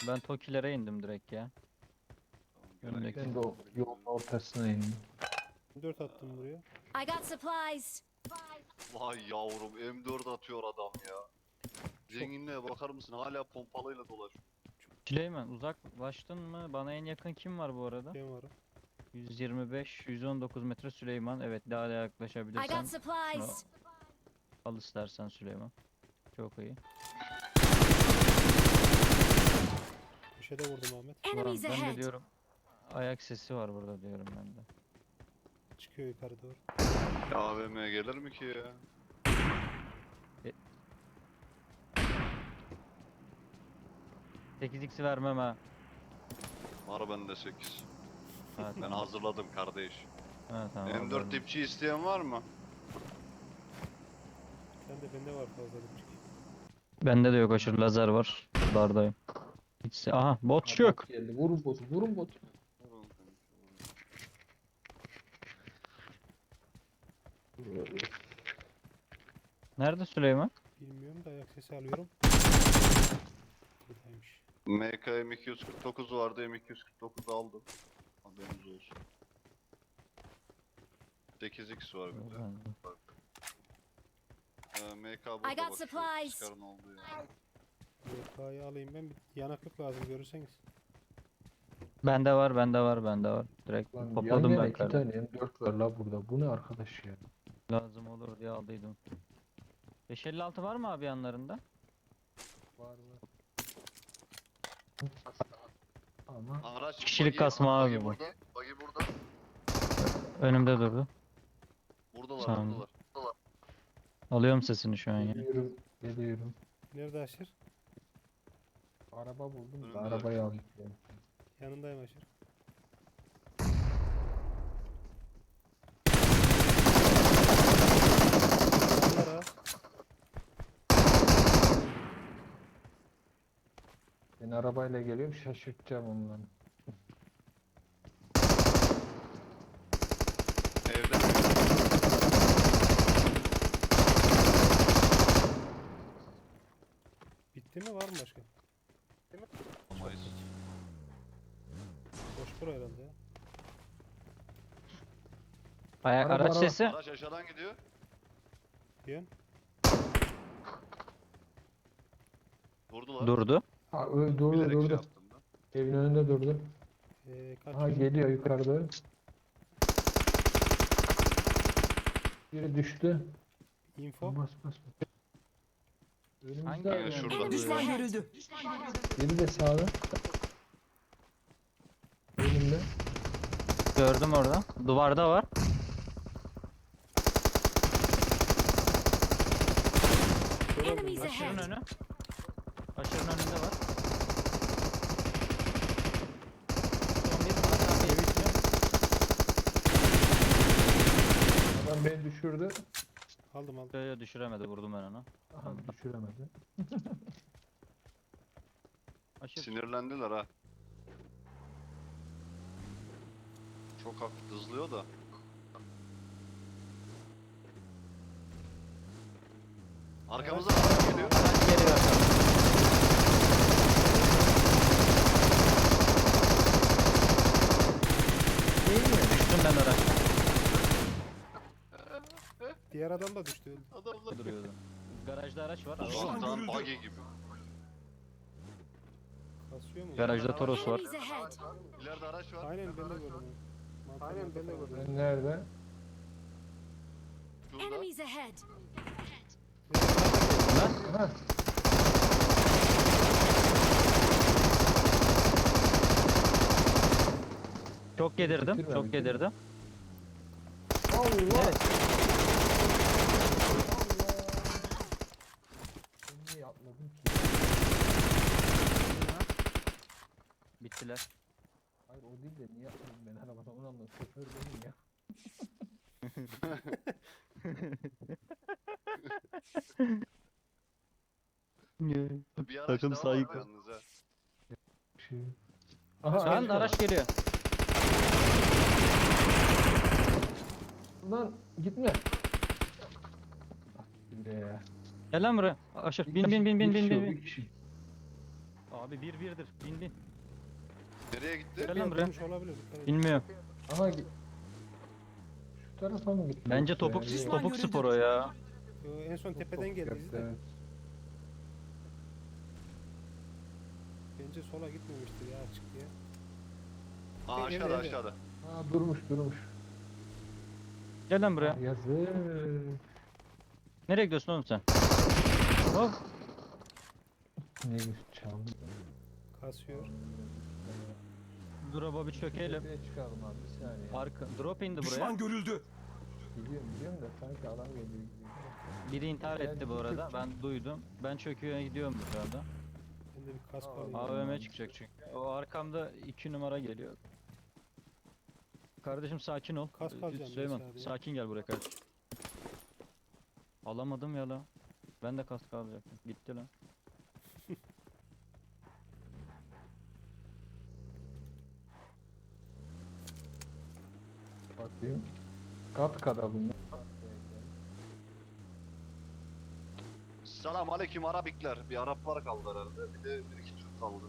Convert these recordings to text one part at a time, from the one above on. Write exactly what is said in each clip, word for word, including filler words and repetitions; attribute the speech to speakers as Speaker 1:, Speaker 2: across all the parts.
Speaker 1: Ben Tokilere indim direkt ya.
Speaker 2: Tamam,
Speaker 1: Önündeki.
Speaker 2: gene
Speaker 3: Ben de o yolun ortasına indim.
Speaker 4: dört attım buraya.
Speaker 5: I got supplies.
Speaker 2: Vay yavrum M dört atıyor adam ya. Zenginliğe bakar mısın? Hala pompalıyla dolaşıyor.
Speaker 1: Süleyman uzaklaştın mı? Bana en yakın kim var bu arada?
Speaker 4: Ben varım.
Speaker 1: yüz yirmi beş yüz on dokuz metre Süleyman. Evet, daha da
Speaker 5: I
Speaker 1: yaklaşabilirsen
Speaker 5: got supplies.
Speaker 1: al istersen Süleyman. Çok iyi.
Speaker 4: Köşede vurdum Ahmet.
Speaker 1: Ulan
Speaker 5: Enemies
Speaker 1: ben de
Speaker 5: ahead.
Speaker 1: diyorum ayak sesi var burada diyorum ben de.
Speaker 4: Çıkıyor yukarı doğru.
Speaker 2: Ya A V M'ye gelir mi ki ya?
Speaker 1: sekiz x'i vermem ha.
Speaker 2: Var bende sekiz.
Speaker 1: Ha,
Speaker 2: Ben
Speaker 1: tamam.
Speaker 2: hazırladım kardeş.
Speaker 1: Ha, tamam,
Speaker 2: M dört
Speaker 1: haberim.
Speaker 2: dipçi isteyen var mı?
Speaker 4: Sen de bende var fazla dipçik.
Speaker 1: Bende de yok, aşırı lazer var. Dardayım. Hiç... Aha bot yok.
Speaker 3: Geldi. Vurun botu, vurun botu.
Speaker 1: Nerede Süleyman?
Speaker 4: Bilmiyorum da ayak sesi alıyorum. Buradaymış.
Speaker 2: M K M iki yüz kırk dokuz vardı, M iki yüz kırk dokuz aldım. Haberiniz olsun. sekiz x var bir de. Ee, M K burada
Speaker 5: I got
Speaker 2: bak şu
Speaker 5: supplies.
Speaker 2: Scar'ın olduğu yer.
Speaker 4: Y K'yı alayım ben. Bir yanaklık lazım görürseniz.
Speaker 1: Bende var, bende var, bende var. Direkt
Speaker 3: Lan yan
Speaker 1: topladım
Speaker 3: yana
Speaker 1: ben
Speaker 3: iki
Speaker 1: kardeşim.
Speaker 3: tane M dört var la burada. Bu ne arkadaş ya?
Speaker 1: Lazım olur diye aldıydım. beş elli altı var mı abi yanlarında?
Speaker 3: Var var. Ama
Speaker 2: Araç,
Speaker 1: Kişilik
Speaker 2: buggy-
Speaker 1: kasma
Speaker 2: buggy
Speaker 1: abi bu.
Speaker 2: burada, buggy burada.
Speaker 1: Önümde durdu.
Speaker 2: Buradalar,
Speaker 1: Tamam.
Speaker 2: buradalar. buradalar.
Speaker 1: Alıyorum sesini şu an ya.
Speaker 3: geliyorum, geliyorum.
Speaker 4: Nerede Aşır?
Speaker 3: Araba buldum da
Speaker 2: Önümde.
Speaker 3: arabayı alayım. yani.
Speaker 4: Yanındayım Aşır. Bunlar ha.
Speaker 3: Ben arabayla geliyorum, şaşırtacağım onları.
Speaker 2: Evde.
Speaker 4: Bitti mi var mı başka?
Speaker 2: Mayıs.
Speaker 4: Boş bura herhalde ya.
Speaker 1: Aya-
Speaker 3: Araba,
Speaker 1: araç
Speaker 3: araba.
Speaker 1: sesi
Speaker 2: Araç aşağıdan gidiyor.
Speaker 4: Yön.
Speaker 2: Durdular.
Speaker 1: durdu.
Speaker 3: Ha, ö- durdu,
Speaker 2: Bilerek şey
Speaker 3: durdu.
Speaker 2: yaptım ben.
Speaker 3: Evin önünde durdu.
Speaker 4: Ee, kaç
Speaker 3: Ha
Speaker 4: yön?
Speaker 3: geliyor yukarıda. Biri düştü.
Speaker 4: Info.
Speaker 3: Bas bas bas. Önümüzde
Speaker 1: Hangi
Speaker 2: Aynen
Speaker 1: evin
Speaker 2: şurada.
Speaker 1: önünde
Speaker 5: Enemies
Speaker 1: duruyor?
Speaker 5: ahead.
Speaker 3: biri de sağda. Önümde.
Speaker 1: Gördüm orada. Duvarda var.
Speaker 4: Kör oldum
Speaker 5: Enemies
Speaker 4: lan.
Speaker 1: Aşırın
Speaker 5: ahead.
Speaker 1: önü. Aşırın önünde var. Son bir Hakan Bey bitiyor.
Speaker 3: Adam beni düşürdü.
Speaker 4: Aldım aldım.
Speaker 1: Böyle düşüremedi, vurdum ben onu.
Speaker 3: Aha düşüremedi.
Speaker 1: Aşır.
Speaker 2: Sinirlendiler ha. Çok hafif hızlıyor da. Arkamıza araç geliyor.
Speaker 1: Araç geliyor. Düştüm ben araçtan.
Speaker 4: Diğer adam da düştü. öldü.
Speaker 2: Adamlar
Speaker 1: Duruyordu. Garajda araç var.
Speaker 2: uzaktan buggy gibi.
Speaker 4: Kasıyor mu?
Speaker 1: Garajda Toros var.
Speaker 5: Enemies ahead.
Speaker 2: İleride araç var.
Speaker 4: Aynen ben de gördüm. Aynen ben de gördüm.
Speaker 3: Ben nerede?
Speaker 2: Şurada.
Speaker 5: Enemies ahead.
Speaker 3: Ha.
Speaker 1: Çok yedirdim.
Speaker 3: Bitirme,
Speaker 1: Çok
Speaker 3: bitirme.
Speaker 1: yedirdim.
Speaker 3: Allah.
Speaker 1: Evet.
Speaker 3: Ben niye atladım ki?
Speaker 1: Bittiler.
Speaker 3: Hayır o değil de niye atladım ben arabadan onu anladım. Şoför benim ya.
Speaker 2: Bir araç
Speaker 1: Takım
Speaker 2: daha
Speaker 1: sahip.
Speaker 2: var yalnız ha.
Speaker 3: Şey. Aha
Speaker 1: Şu an
Speaker 3: geliyor.
Speaker 1: araç geliyor.
Speaker 3: Lan gitme. Ah, gitti be ya.
Speaker 1: Gel lan buraya. Aşır.
Speaker 3: Bir
Speaker 1: Bin
Speaker 3: kişi-
Speaker 1: bin bin bin
Speaker 3: bir
Speaker 1: bin
Speaker 3: kişi o,
Speaker 1: bin.
Speaker 3: bir kişi.
Speaker 1: Abi bir birdir. Bin bin.
Speaker 2: Nereye gitti?
Speaker 1: Gel lan
Speaker 4: Biraz
Speaker 1: buraya.
Speaker 4: dönmüş olabilir. dikkat edin.
Speaker 1: Bilmiyorum.
Speaker 3: Aha git. Şu tarafa mı gitti?
Speaker 1: Bence
Speaker 3: yoksa
Speaker 1: topuk
Speaker 3: ya? Yok.
Speaker 1: topuk spor o ya.
Speaker 4: Yo, en son
Speaker 3: Çok
Speaker 4: tepeden
Speaker 3: topuk
Speaker 4: geldi
Speaker 3: yaptı,
Speaker 4: izle.
Speaker 3: evet.
Speaker 4: Bence sola gitmemiştir ya açık diye.
Speaker 2: Aa
Speaker 4: Evet,
Speaker 2: aşağıda
Speaker 4: evet.
Speaker 2: aşağıda.
Speaker 3: Ha durmuş durmuş.
Speaker 1: Gel lan buraya.
Speaker 3: Yazık.
Speaker 1: Nereye gidiyorsun oğlum sen? Hop.
Speaker 3: Neymiş çaldı.
Speaker 4: Kasıyor.
Speaker 1: Drop'a bir çökelim.
Speaker 3: Tepeye çıkalım abi bir saniye.
Speaker 1: Arka, drop indi buraya.
Speaker 6: Düşman görüldü.
Speaker 3: Biliyorum biliyorum da sanki adam geliyor gibi.
Speaker 1: Biri intihar
Speaker 3: Gel,
Speaker 1: etti bu
Speaker 3: çök,
Speaker 1: arada.
Speaker 3: çök.
Speaker 1: Ben duydum. Ben çöküyor gidiyorum şu anda.
Speaker 4: Ben de bir kask
Speaker 3: Aa,
Speaker 4: alayım.
Speaker 3: abi.
Speaker 1: A V M çıkacak çünkü. O arkamda iki numara geliyor. Kardeşim sakin ol.
Speaker 4: Kask
Speaker 1: Ee,
Speaker 4: alacağım ben
Speaker 1: Süleyman
Speaker 4: sadece.
Speaker 1: sakin gel buraya kardeşim. Alamadım ya la. Ben de kask alacaktım. Gitti lan.
Speaker 3: Bakayım. Kat kada bunlar.
Speaker 2: Selam aleyküm Arabikler. Bir Araplar kaldı herhalde. Bir de bir iki Türk kaldı.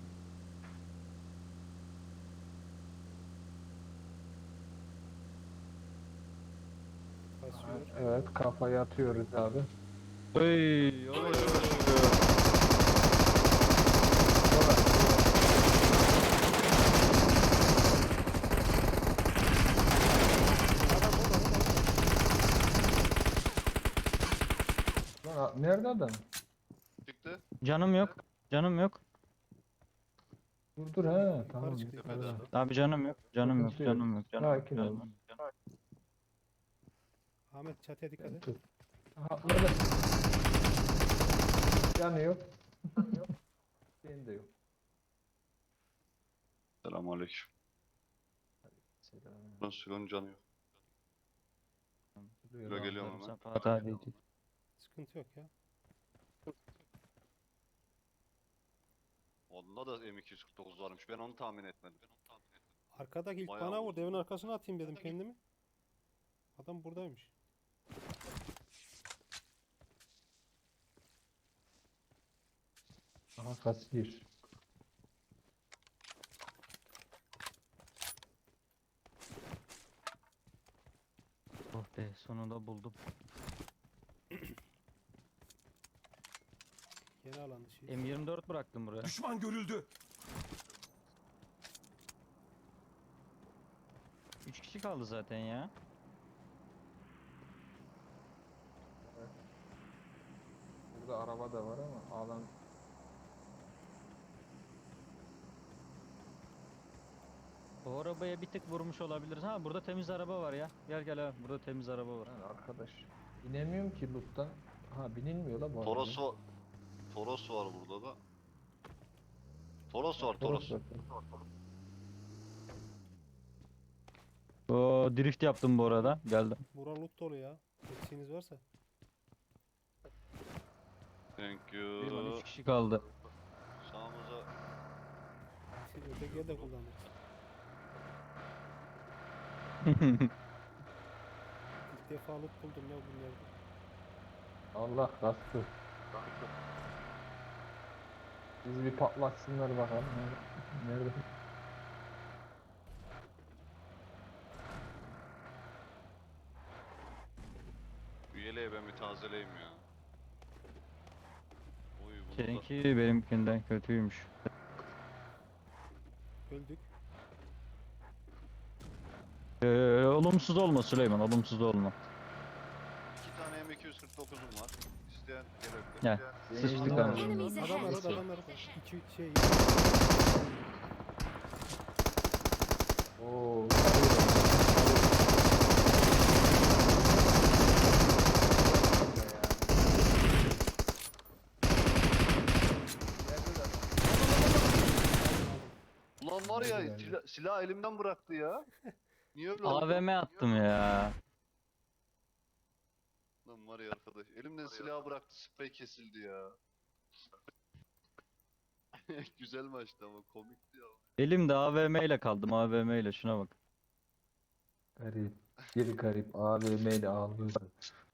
Speaker 4: Kasıyor.
Speaker 3: Evet kafayı atıyoruz abi.
Speaker 1: Oy, oy, oy.
Speaker 3: Lan a- nerede adam?
Speaker 2: Çıktı.
Speaker 1: Canım yok. Canım yok.
Speaker 3: Dur dur he tamam.
Speaker 4: çıktı,
Speaker 3: yukarı.
Speaker 2: tepeden.
Speaker 1: Abi canım yok. Canım yok.
Speaker 3: Sıkıntı yok.
Speaker 1: Canım yok. Canım yok.
Speaker 3: Sakin
Speaker 1: Canım
Speaker 3: ol.
Speaker 1: yok.
Speaker 4: Ahmet çatıya dikkat et.
Speaker 3: Dur. Aha orada. Yanı yok. Yok. Senin de yok.
Speaker 2: Selam aleyküm.
Speaker 3: Selam.
Speaker 2: Nasıl canı yok.
Speaker 3: Duruyor
Speaker 2: Buraya
Speaker 3: abi.
Speaker 2: geliyorum hemen.
Speaker 1: Sen Fatih abi.
Speaker 4: Sıkıntı yok ya.
Speaker 2: Onda da M iki yüz kırk dokuz varmış. Ben onu tahmin etmedim.
Speaker 4: Arkadaki ilk
Speaker 2: Bayağı
Speaker 4: bana
Speaker 2: oldu.
Speaker 4: vurdu. Evin arkasına atayım dedim kendimi. Adam buradaymış.
Speaker 3: Aha kasiyer.
Speaker 1: Oh be sonunda buldum.
Speaker 4: Yeni alan dışı.
Speaker 1: M yirmi dört bıraktım buraya.
Speaker 6: Düşman görüldü.
Speaker 1: üç kişi kaldı zaten ya.
Speaker 3: Burada araba da var ama alan
Speaker 1: O arabaya bir tık vurmuş olabiliriz. Ha burada temiz araba var ya. Gel gel abi burada temiz araba var.
Speaker 3: Lan arkadaş. Binemiyorum ki loot'tan. Ha binilmiyor la bu arada.
Speaker 2: Toros var. Toros var burada da. Toros var Toros.
Speaker 3: var.
Speaker 1: O drift yaptım bu arada. Geldim.
Speaker 4: Bura loot dolu ya. Eksiğiniz varsa.
Speaker 2: Thank
Speaker 1: Bir lan
Speaker 2: you.
Speaker 1: üç kişi kaldı.
Speaker 2: Sağımıza
Speaker 4: Siz ötekiye de kullanırız. İlk defa loot buldum ya bunlarda.
Speaker 3: Allah kastı. Bizi bir patlatsınlar bakalım. Nerede? Nerede?
Speaker 2: üyeliğe ben bir tazeleyim ya. Oy bunu da.
Speaker 1: Seninki benimkinden kötüymüş.
Speaker 4: Öldük.
Speaker 1: Ee, olumsuz olma Süleyman, olumsuz olma.
Speaker 2: İki tane M iki yüz kırk dokuzum var. İsteyen gelebilir.
Speaker 1: Gel. Sıçtık
Speaker 3: Adam-
Speaker 1: anasını.
Speaker 5: Enemies
Speaker 4: Adamlar
Speaker 5: ahead.
Speaker 4: orada adamlar orada. İki şey.
Speaker 3: Oo.
Speaker 2: Ulan var ya
Speaker 3: Nerede
Speaker 2: sila- silah elimden bıraktı ya. Niye öyle oldu?
Speaker 1: A V M attım ya.
Speaker 2: Lan var ya arkadaş. Elimden silahı bıraktı, sprey kesildi ya. Güzel maçtı ama komikti ya.
Speaker 1: Elimde A V M ile kaldım, A V M ile şuna bak.
Speaker 3: Garip. Bir garip A V M ile ağlıyor.